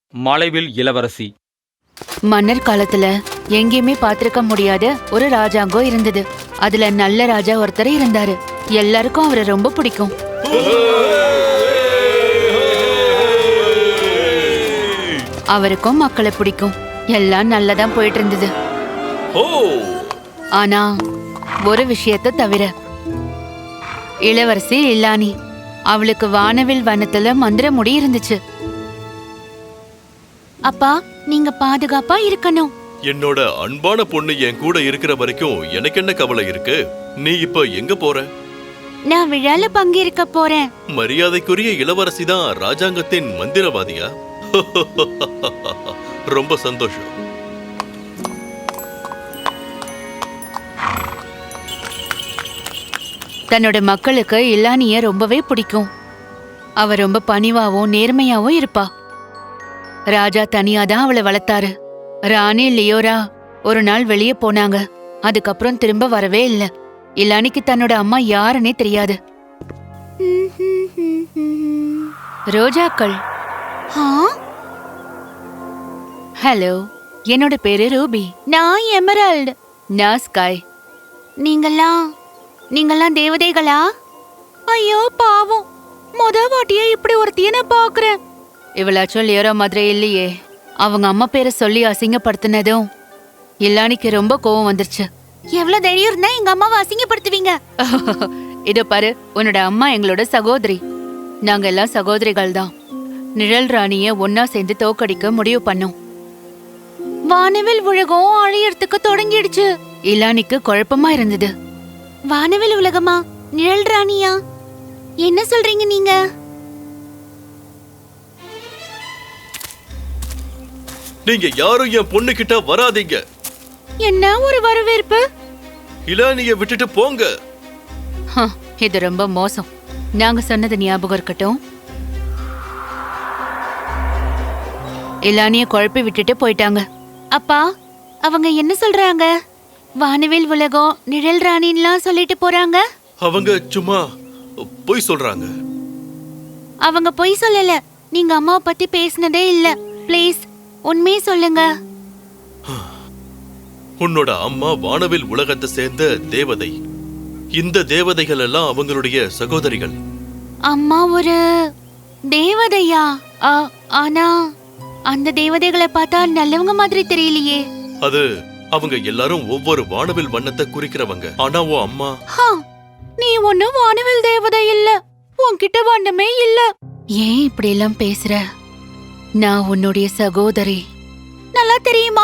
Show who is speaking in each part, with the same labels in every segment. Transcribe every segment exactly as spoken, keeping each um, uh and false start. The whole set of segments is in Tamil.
Speaker 1: மலைவில் இளவரசி.
Speaker 2: மன்னர் காலத்துல எங்கேயுமே பாத்திருக்க முடியாத ஒரு ராஜாங்கம் இருந்தது. அதுல நல்ல ராஜா ஒருத்தர் இருந்தாரு. எல்லாருக்கும் அவரை ரொம்ப பிடிக்கும். அவருக்கும் மக்களை பிடிக்கும். எல்லாம் நல்லதான் போயிட்டு இருந்தது. ஆனா ஒரு விஷயத்த தவிர, இளவரசி இல்லானி, அவளுக்கு வானவில் வனத்துல மந்திர முடி இருந்துச்சு. அப்பா, நீங்க பாதுகாப்பா இருக்கணும்.
Speaker 3: என்னோட அன்பான பொண்ணு என் கூட இருக்கிற வரைக்கும் எனக்கு என்ன கவலை இருக்கு? நீ இப்ப எங்க போற?
Speaker 2: நான் விழால பங்கேற்க போறேன்.
Speaker 3: மரியாதைக்குரிய இளவரசி தான் ராஜாங்கத்தின் மந்திரவாதியா? ரொம்ப சந்தோஷம்.
Speaker 2: தன்னோட மக்களுக்கு இல்லானிய ரொம்பவே பிடிக்கும். அவ ரொம்ப பணிவாவும் நேர்மையாவும் இருப்பா. ராஜா தனியாதான் அவளை வளர்த்தாரு. ராணி லியோரா ஒரு நாள் வெளியே போனாங்க. அதுக்கப்புறம் திரும்ப வரவே இல்ல. இல்லானிக்கு தன்னோட அம்மா யாருன்னே தெரியாது. ரோஜாக்கள். ஹலோ, என்னோட பேரு ரூபி. நான் எமரால்டு. நான் ஸ்காய். நீங்கெல்லாம் நீங்கெல்லாம் தேவதைகளா? ஐயோ பாவம், முத வாட்டியா இப்படி ஒருத்திய நான் பாக்குறேன். இவளாச்சும் லியோரா மாதிரி இல்லையே. அவங்க அம்மா பேரை சொல்லி அசிங்கப்படுத்தினதும் இல்லானிக்கு ரொம்ப கோவம் வந்துருச்சு. எவ்வளவு தைரியம் இருந்தா எங்க அம்மாவை அசிங்கப்படுத்துவீங்க? இதோ பாரு, உன்னோட அம்மா எங்களோட சகோதரி. நாங்க எல்லாம் சகோதரிகள் தான். நிழல் ராணிய ஒன்னா சேர்ந்து தோக்கடிக்க முடிவு பண்ணோம். வானவில் உலகம் அழியறதுக்கு தொடங்கிடுச்சு. இல்லானிக்கு குழப்பமா இருந்தது. வானவில் உலகமா? நிழல் ராணியா? என்ன சொல்றீங்க நீங்க?
Speaker 3: நீங்க யாரும் என் பொண்ணு கிட்ட வராதீங்க.
Speaker 2: என்ன ஒரு வரவேற்பு!
Speaker 3: இளானிய விட்டுட்டு போங்க.
Speaker 2: இது ரொம்ப மோசம். நாங்க சொன்னது ஞாபகம் இருக்கட்டும். இளானிய குழப்பி விட்டுட்டு போயிட்டாங்க. அப்பா, அவங்க என்ன சொல்றாங்க? வானவில் உலகம் நிழல் ராணின்லாம் சொல்லிட்டு போறாங்க.
Speaker 3: அவங்க சும்மா பொய் சொல்றாங்க.
Speaker 2: அவங்க பொய் சொல்லல. நீங்க அம்மாவை பத்தி பேசினதே இல்ல. ப்ளீஸ் உண்மையை சொல்லுங்க.
Speaker 3: உன்னோட அம்மா வானவில் உலகத்தை சேர்ந்த தேவதை. இந்த தேவதைகள் எல்லாம் அவங்களுடைய சகோதரிகள்.
Speaker 2: அம்மா ஒரு தேவதையா? ஆனா அந்த தேவதைகளை பார்த்தா நல்லவங்க மாதிரி தெரியலையே.
Speaker 3: அது அவங்க எல்லாரும் ஒவ்வொரு வானவில் வண்ணத்தை குறிக்கிறவங்க. ஆனா உன் அம்மா,
Speaker 2: நீ ஒன்னும் வானவில் தேவதை இல்ல. உன்கிட்ட வண்ணமே இல்ல. ஏன் இப்படி எல்லாம் பேசுற? நான் உன்னுடைய சகோதரி. நல்லா தெரியுமா?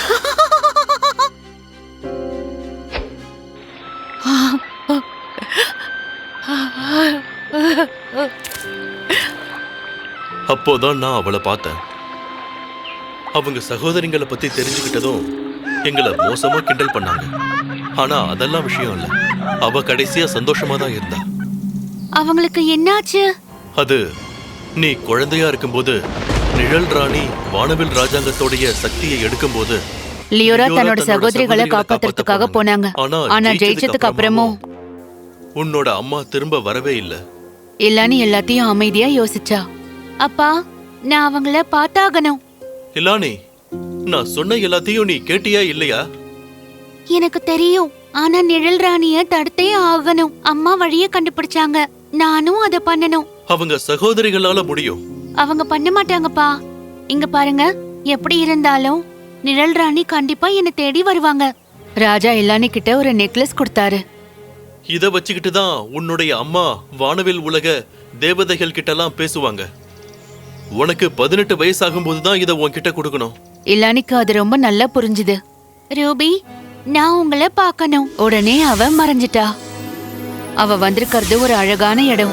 Speaker 3: அப்போதான் நான் அவளை பார்த்தேன். அவங்க சகோதரிங்களை பத்தி தெரிஞ்சுக்கிட்டதும் எங்களை மோசமா கிண்டல் பண்ணாங்க. ஆனா அதெல்லாம் விஷயம் இல்ல. அவ கடைசியா சந்தோஷமா தான் இருந்தா.
Speaker 2: அவங்களுக்கு என்னாச்சு?
Speaker 3: அது நீ குழந்தையா இருக்கும்போது நிழல் ராணி வானவில் ராஜாங்கத்தோடைய சக்தியை எடுக்கும்போது
Speaker 2: லியோரா தன்னோட சகோதரிகளை காப்பாத்துறதுக்காக போனாங்க. ஆனா ஜெயிச்சதுக்கு அப்புறமும்
Speaker 3: உன்னோட அம்மா திரும்ப வரவே இல்ல.
Speaker 2: இல்லானி எல்லாத்தையும் அமைதியா யோசிச்சா. அப்பா, நான் அவங்கள பார்த்தாகணும்.
Speaker 3: இல்லானி, நான் சொன்ன எல்லாத்தையும் நீ கேட்டியா இல்லையா?
Speaker 2: எனக்கு தெரியும். ஆனா நிழல் ராணிய தடுத்தே ஆகணும். அம்மா வழிய கண்டுபிடிச்சாங்க. நானும் அத பண்ணணும்.
Speaker 3: அவங்க சகோதரிகளால முடியும்.
Speaker 2: அவங்க பண்ண மாட்டாங்கப்பா. இங்க பாருங்க, எப்படி இருந்தாலும் நிழல் ராணி கண்டிப்பா என்ன தேடி வருவாங்க. ராஜா இல்லானி கிட்ட ஒரு நெக்லஸ் கொடுத்தாரு.
Speaker 3: இத வச்சுக்கிட்டு தான் உன்னுடைய அம்மா வானவில் உலக தேவதைகள் கிட்ட எல்லாம் பேசுவாங்க. உனக்கு பதினெட்டு வயசாகும் போதுதான் இத உன்கிட்ட கொடுக்கணும்.
Speaker 2: இல்லானிக்கு அது ரொம்ப நல்லா புரிஞ்சுது. ரூபி, நான் உங்களை பார்க்கணும். உடனே அவ மறைஞ்சிட்டா. அவ வந்திருக்கிறது ஒரு அழகான இடம்.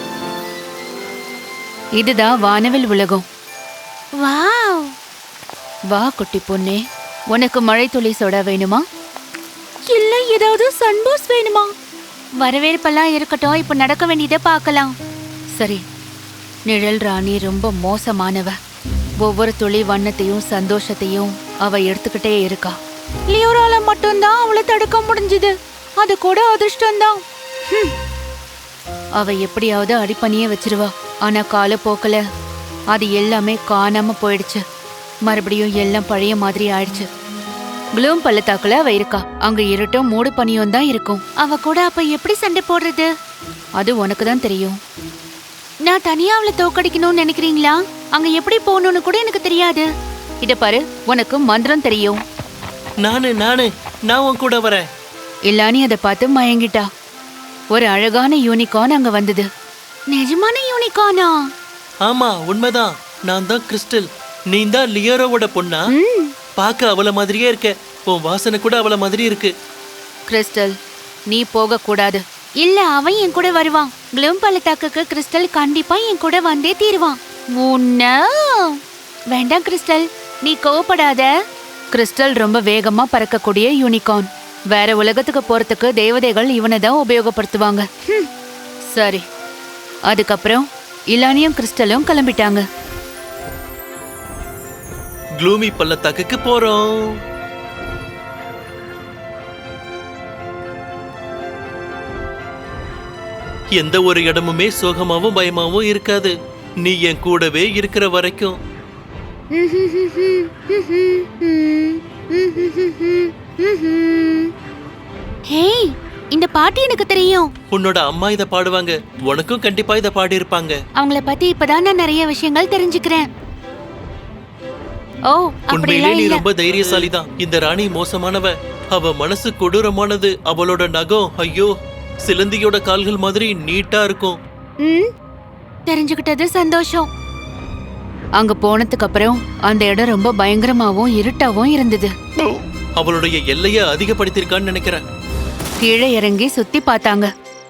Speaker 2: இதுதான் வானவில் உலகம். வாவ்! வா குட்டி பொண்ணே, உனக்கு மழை துளி சோடா வேணுமா? இல்ல ஏதாவது சன்பூஸ் வேணுமா? வரவேற்பெல்லாம் இருக்கட்டும், இப்ப நடக்க வேண்டியதை பார்க்கலாம். சரி. நிழல் ராணி ரொம்ப மோசமானவ. ஒவ்வொரு துளி வண்ணத்தையும் சந்தோஷத்தையும் அவ எடுத்துக்கிட்டே இருக்கா. லியோரால மட்டும்தான் அவளை தடுக்க முடிஞ்சது. அது கூட அதிர்ஷ்டம்தான். அவ எப்படியாவது அடிப்பணியே வச்சிருவா. ஆனா காலப்போக்கில் அது எல்லாமே காணாம போயிடுச்சு. மறுபடியும் எல்லாம் பழைய மாதிரி ஆயிடுச்சு. க்ளூம் பள்ளத்தாக்குல அவ இருக்கா. அங்க இருட்டும் மூடு பனியும் தான் இருக்கும். அவ கூட அப்ப எப்படி சண்டை போடுறது? அது உனக்கு தான் தெரியும். நான் தனியா அவளை தோக்கடிக்கணும்னு நினைக்கிறீங்களா? அங்க எப்படி போகணும்னு கூட எனக்கு தெரியாது. இத பாரு, உனக்கு மந்திரம் தெரியும்.
Speaker 1: நானு நானு நான் உன் கூட வரேன்.
Speaker 2: இல்லானி அதை பார்த்து மயங்கிட்டா. ஒரு அழகான யூனிகார்ன் அங்க வந்தது. நிஜமான யூனிகார்னா?
Speaker 1: ஆமா, உண்மைதான். நான் தான் கிறிஸ்டல். நீ தான் லியோரோவோட பொண்ணா?
Speaker 2: ம்.
Speaker 1: பார்க்க அவள மாதிரியே இருக்க. உன் வாசனை கூட அவள மாதிரி இருக்கு.
Speaker 2: கிறிஸ்டல், நீ போக கூடாது. இல்ல, அவன் என் கூட வருவான். க்ளூம் பள்ளத்தாக்குக்கு கிறிஸ்டல் கண்டிப்பா என் கூட வந்தே தீருவான். உன்ன வேண்டாம் கிறிஸ்டல், நீ கோவப்படாத. கிறிஸ்டல் ரொம்ப வேகமா பறக்கக்கூடிய யூனிகார்ன். வேற உலகத்துக்கு போறதுக்கு தேவதைகள் இவனை தான் உபயோகப்படுத்துவாங்க. ஹம். சரி. அதுக்கப்புறம் இலானியும் கிறிஸ்டலும் கிளம்பிட்டாங்க.
Speaker 1: க்ளூமி பள்ளத்தாக்குக்கு போறோம். எந்த ஒரு இடமுமே சோகமாவும் பயமாவும் இருக்காது. நீ என் கூடவே இருக்கிற வரைக்கும்.
Speaker 2: ஹேய், இந்த பாட்டு எனக்கு தெரியும்.
Speaker 1: உன்னோட அம்மா இத பாடுவாங்க. உனக்கும் கண்டிப்பா இத பாடி இருப்பாங்க.
Speaker 2: அவங்கள பத்தி இப்பதான் நான் நிறைய விஷயங்கள் தெரிஞ்சுக்கிறேன். ஓ,
Speaker 1: உண்மையிலே
Speaker 2: அப்படிலாம்
Speaker 1: நீ
Speaker 2: இல்ல.
Speaker 1: ரொம்ப தைரியசாலிதான். இந்த ராணி மோசமானவ. அவ மனசு கொடூரமானது. அவளோட நகம், ஐயோ, சிலந்தியோட கால்கள் மாதிரி நீட்டா இருக்கும்.
Speaker 2: ம், தெரிஞ்சுக்கிட்டது சந்தோஷம். அங்க போனதுக்கு அப்புறம் அந்த இடம் ரொம்ப பயங்கரமாவும் இருட்டாவும் இருந்தது.
Speaker 1: அவளுடைய எல்லைய அதிகப்படுத்திருக்கான்னு நினைக்கிறேன்.
Speaker 2: கீழே இறங்கி சுத்தி பார்த்தாங்க.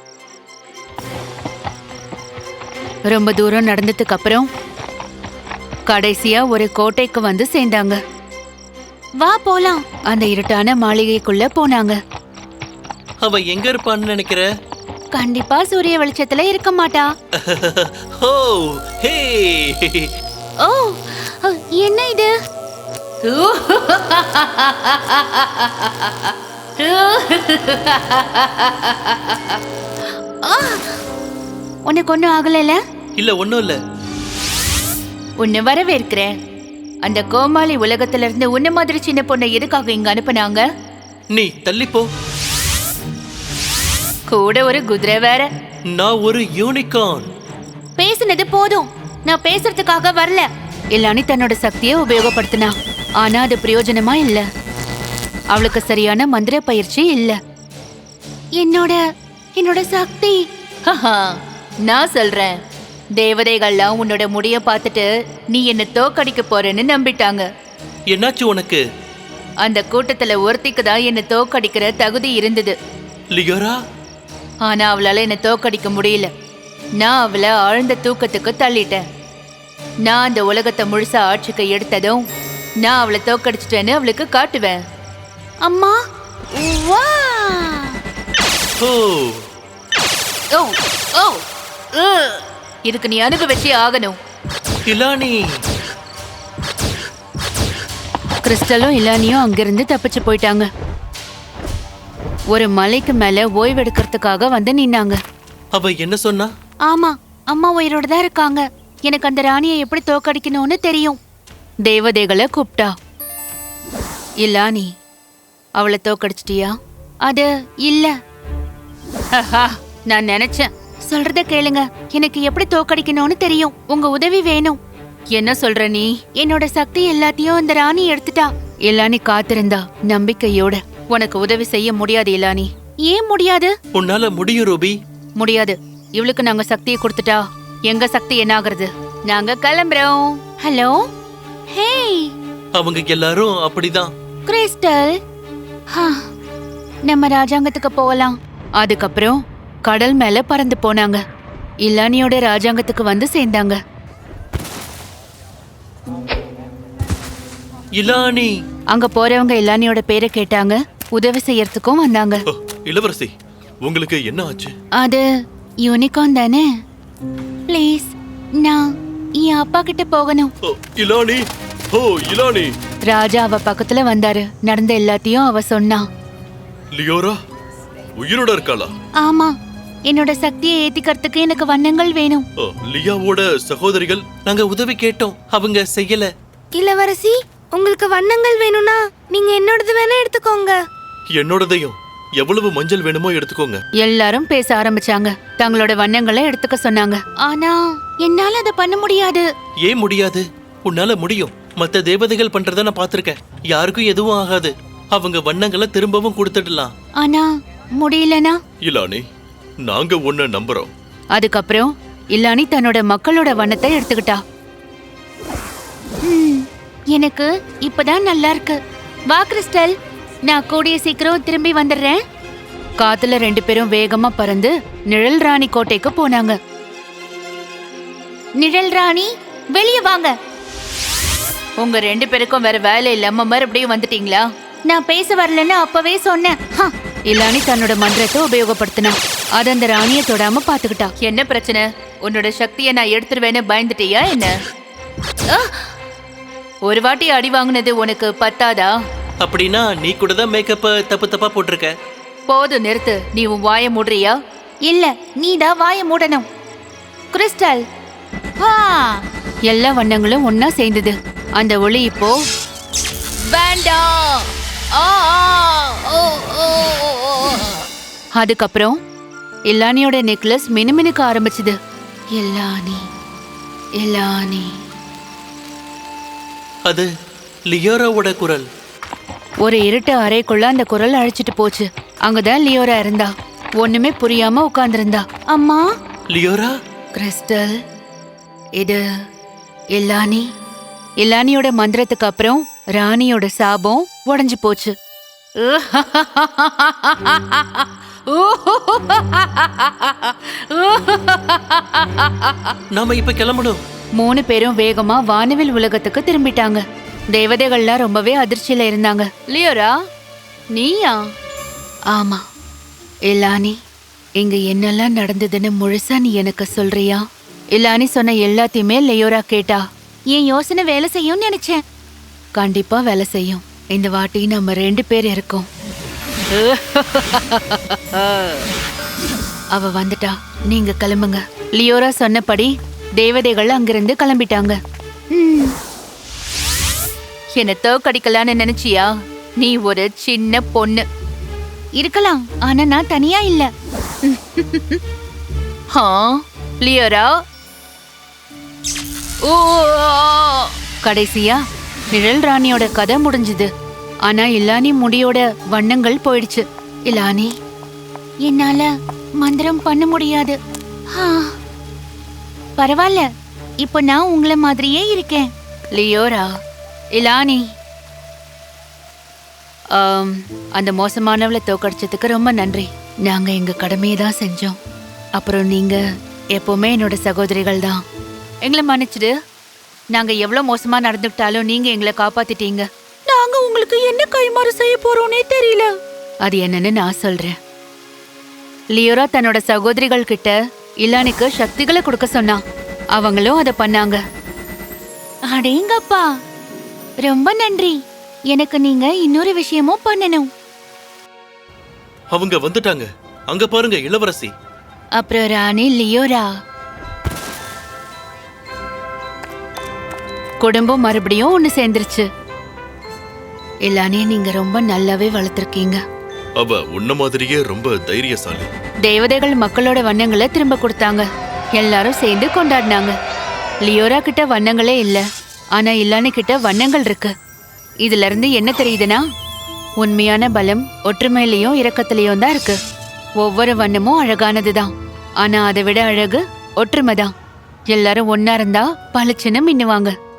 Speaker 2: ரொம்ப தூரம் நடந்ததுக்கு அப்புறம் கடைசியா ஒரு கோட்டைக்கு வந்து சேர்ந்தாங்க. வா போலாம். அந்த இருட்டான மாளிகைக்குள்ள போனாங்க.
Speaker 1: அவ எங்க இருப்பான்னு நினைக்கிற?
Speaker 2: கண்டிப்பா சூரிய வெளிச்சத்துல இருக்க மாட்டா.
Speaker 1: ஓ, ஹே.
Speaker 2: ஓ, என்ன இது? உனக்கு ஒன்னும் ஆகல?
Speaker 1: இல்ல, ஒண்ணும் இல்ல.
Speaker 2: உன்னை வரவேற்கிறேன். அந்த கோமாளி உலகத்துல இருந்து உன்ன மாதிரி சின்ன பொண்ணை எதுக்காக இங்க அனுப்புனாங்க?
Speaker 1: நீ தள்ளி போ.
Speaker 2: கூட ஒரு குதிரை வேற.
Speaker 1: நான் ஒரு யூனிகார்ன்.
Speaker 2: பேசுனது போதும். நான் பேசுறதுக்காக வரல. இல்லானி தன்னோட சக்தியை உபயோகப்படுத்தினா. ஆனா அது பிரயோஜனமா இல்ல. அவளுக்கு சரியான மந்திர பயிற்சி இல்ல. என்னோட என்னோட சக்தி. நான் சொல்றேன், தேவதைகள்லாம் உன்னோட முடிய பார்த்துட்டு நீ என்ன தோக்கடிக்க போறேன்னு நம்பிட்டாங்க.
Speaker 1: என்னாச்சு உனக்கு?
Speaker 2: அந்த கூட்டத்துல ஒருத்திக்கு தான் என்ன தோக்கடிக்கிற தகுதி இருந்தது.
Speaker 1: லியோரா?
Speaker 2: ஆனா அவளால என்ன தோக்கடிக்க முடியல. நான் அவளை ஆழ்ந்த தூக்கத்துக்கு தள்ளிட்டேன். நான் அந்த உலகத்தை முழுசா ஆட்சிக்கு எடுத்ததும் நான் அவளை தோக்கடிச்சிட்டேன்னு அவளுக்கு காட்டுவேன். அம்மா, வா.
Speaker 1: ஓ,
Speaker 2: ஓ, ஓ, உ. இதுக்கு நீ அனுபவிச்சே ஆகணும்.
Speaker 1: இலானி.
Speaker 2: கிறிஸ்டலும் இலானியும் அங்கிருந்து தப்பிச்சு போயிட்டாங்க. ஒரு மலைக்கு மேல ஓய்வெடுக்கிறதுக்காக வந்து நின்னாங்க.
Speaker 1: அவ என்ன சொன்னா?
Speaker 2: ஆமா, அம்மா உயிரோட தான் இருக்காங்க. எனக்கு அந்த ராணியை எப்படி தோக்கடிக்கணும்னு தெரியும். தேவதைகளை கூப்பிட்டா. இலானி, அவளை தோக்கடிச்சிட்டியா? அது இல்ல. நான் நினைச்சேன். சொல்றத கேளுங்க. எனக்கு எப்படி தோக்கடிக்கணும்னு தெரியும். உங்க உதவி வேணும். என்ன சொல்ற நீ? என்னோட சக்தி எல்லாத்தையும் அந்த ராணி எடுத்துட்டா. இலானி காத்திருந்தா நம்பிக்கையோட. உனக்கு உதவி செய்ய முடியாது இலானி. ஏன் முடியாது?
Speaker 1: உன்னால முடியும் ரூபி.
Speaker 2: முடியாது. இவளுக்கு நாங்க சக்தியை கொடுத்துட்டா எங்க சக்தி என்ன ஆகுறது? நாங்க கிளம்புறோம். Hello, hey.
Speaker 1: அவங்க எல்லாரும் அப்படிதான்.
Speaker 2: கிறிஸ்டல், நம்ம ராஜாங்கத்துக்கு போகலாம். அதுக்கப்புறம் கடல் மேல பறந்து போனாங்க. இலானியோட ராஜாங்கத்துக்கு வந்து சேர்ந்தாங்க.
Speaker 1: இலானி.
Speaker 2: அங்க போறவங்க இலானியோட பேரை கேட்டாங்க. உதவி செய்யறதுக்கும் வந்தாங்க.
Speaker 3: ஓ, இளவரசி, உங்களுக்கு என்ன ஆச்சு?
Speaker 2: அது யூனிகார்ன் தானே? ப்ளீஸ், நான் என் அப்பா கிட்ட போகணும்.
Speaker 3: ஓ, இலானி. ஓ, இலானி.
Speaker 2: ராஜா அவ பக்கத்துல வந்தாரு. நடந்த எல்லாத்தையும் அவ சொன்னா.
Speaker 3: லியோரா உயிரோட இருக்காளா?
Speaker 2: ஆமா, என்னோட சக்தியை ஏத்திக்கிறதுக்கு எனக்கு வண்ணங்கள் வேணும்.
Speaker 3: ஓ, லியாவோட சகோதரிகள்
Speaker 1: நாங்க உதவி கேட்டோம், அவங்க செய்யல.
Speaker 4: இளவரசி, உங்களுக்கு வண்ணங்கள் வேணும்னா நீங்க என்னோடது வேணா எடுத்துக்கோங்க.
Speaker 3: என்னோடதையும் எவ்வளவு மஞ்சள் வேணுமோ எடுத்துக்கோங்க.
Speaker 2: எல்லாரும் பேச ஆரம்பிச்சாங்க. தங்களோட வண்ணங்களை எடுத்துக்க சொன்னாங்க. ஆனா என்னால அதை பண்ண முடியாது.
Speaker 1: ஏன் முடியாது? உன்னால முடியும். மத்த தேவதைகள் பண்றத நான் பாத்திருக்கேன். யாருக்கும் எதுவும் ஆகாது. அவங்க வண்ணங்களை திரும்பவும் கொடுத்துடலாம்.
Speaker 2: ஆனா முடியலனா?
Speaker 3: இலானி, நாங்க உன்னை நம்புறோம்.
Speaker 2: அதுக்கப்புறம் இல்லானி தன்னோட மக்களோட வண்ணத்தை எடுத்துக்கிட்டா. ம், எனக்கு இப்பதான் நல்லா இருக்கு. வா கிறிஸ்டல், நான் கூடிய சீக்கிரம் திரும்பி வந்துடுறேன். காத்துல ரெண்டு பேரும் வேகமா பறந்து நிழல் ராணி கோட்டைக்கு போனாங்க. நிழல் ராணி, வெளியே வாங்க. உங்க ரெண்டு பேருக்கும் வேற வேலை இல்லாம மறுபடியும் வந்துட்டீங்களா? நான் பேச வரலன்னு அப்பவே சொன்னேன். இல்லானி தன்னோட மந்திரத்தை உபயோகப்படுத்தினா. அது அந்த ராணியை தொடாம பாத்துக்கிட்டா. என்ன பிரச்சனை? உன்னோட சக்தியை நான் எடுத்துருவேன்னு பயந்துட்டியா என்ன? ஒரு வாட்டி அடி வாங்கினது உனக்கு பத்தாதா?
Speaker 1: அப்படின்னா நீ கூட தான் மேக்கப்ப தப்பு தப்பா போட்டிருக்க.
Speaker 2: போது, நிறுத்து. நீ உன் வாய மூடுறியா? இல்ல, நீதான் வாய மூடணும். கிறிஸ்டல், எல்லா வண்ணங்களும் ஒன்னா சேர்ந்தது. அந்த ஒளி இப்போ வேண்டாம். அதுக்கப்புறம் இல்லானியோட நெக்லஸ் மினுமினுக்க ஆரம்பிச்சது. இல்லானி, இல்லானி.
Speaker 1: அது லியோராவோட குரல்.
Speaker 2: ஒரு இருட்டு அறைக்குள்ள அந்த குரல் அழைச்சிட்டு போச்சு. அங்கதான் லியோரா இருந்தா. ஒண்ணுமே புரியாம உட்கார்ந்திருந்தா. அம்மா.
Speaker 1: லியோரா?
Speaker 2: கிறிஸ்டல், இது இல்லானி. இல்லானியோட மந்திரத்துக்கு அப்புறம் ராணியோட சாபம் உடைஞ்சு போச்சு.
Speaker 1: நாம இப்ப கிளம்பணும்.
Speaker 2: மூணு பேரும் வேகமா வானவில் உலகத்துக்கு திரும்பிட்டாங்க. தேவதைகள்லாம் ரொம்பவே அதிர்ச்சியில இருந்தாங்க. லியோரா, நீயா? ஆமா. இல்லானி, இங்க என்னெல்லாம் நடந்ததுன்னு முழுசா நீ எனக்கு சொல்றியா? இல்லானி சொன்ன எல்லாத்தையுமே லியோரா கேட்டா. என் யோசனை வேலை செய்யும்னு நினைச்சேன். கண்டிப்பா வேலை செய்யும். இந்த வாட்டி நம்ம ரெண்டு பேர் இருக்கோம். அவ வந்துட்டா. நீங்க கிளம்புங்க. லியோரா சொன்னபடி தேவதைகள் அங்கிருந்து கிளம்பிட்டாங்க. என்ன தோக்கடிக்கலான்னு நினைச்சியா? நீ ஒரு சின்ன பொண்ணு. இருக்கலாம், ஆனா நான் தனியா இல்ல. லியோரா. ஓ, கடைசியா நிழல் ராணியோட கதை முடிஞ்சது. ஆனா இல்லானி முடியோட வண்ணங்கள் போயிடுச்சு. இல்லானி, என்னால மந்திரம் பண்ண முடியாது. பரவாயில்ல, இப்போ நான் உங்களை மாதிரியே இருக்கேன். லியோரா, இல்லானி, அந்த மோசமானவளை தோக்கடிச்சதுக்கு ரொம்ப நன்றி. நாங்க எங்க கடமையை தான் செஞ்சோம். அப்புறம் நீங்க எப்பவுமே என்னோட சகோதரிகள் தான். எங்களை மன்னிச்சிடு. நாங்க எவ்வளவு மோசமா நடந்துக்கிட்டாலும் நீங்க எங்களை காப்பாத்திட்டீங்க. நாங்க உங்களுக்கு என்ன கைமாறு செய்ய போறோம்னே தெரியல. அது என்னன்னு நான் சொல்றேன். லியோரா தன்னோட சகோதரிகள் கிட்ட இல்லானிக்கு சக்திகளை கொடுக்க சொன்னா. அவங்களும் அதை பண்ணாங்க. அடேங்கப்பா, ரொம்ப நன்றி. எனக்கு நீங்க இன்னொரு விஷயமும் பண்ணணும்.
Speaker 3: அவங்க வந்துட்டாங்க. அங்க பாருங்க, இளவரசி.
Speaker 2: அப்புறம் ராணி லியோரா. குடும்பம் மறுபடியும் ஒண்ணு சேர்ந்துருச்சு. இல்லானே நீங்க ரொம்ப நல்லாவே வளர்த்திருக்கீங்க.
Speaker 3: அவ உன்ன மாதிரியே ரொம்ப தைரியசாலி.
Speaker 2: தேவதைகள் மக்களோட வண்ணங்களை திரும்ப கொடுத்தாங்க. எல்லாரும் சேர்ந்து கொண்டாடினாங்க. லியோரா கிட்ட வண்ணங்களே இல்ல, ஆனா இல்லானி கிட்ட வண்ணங்கள் இருக்கு. இதுல இருந்து என்ன தெரியுதுன்னா, உண்மையான பலம் ஒற்றுமையிலையும் இரக்கத்திலையும் தான் இருக்கு. ஒவ்வொரு வண்ணமும் அழகானதுதான், ஆனா அதை விட அழகு ஒற்றுமைதான். எல்லாரும் ஒன்னா இருந்தா பளிச்சுன்னு மின்னுவாங்க.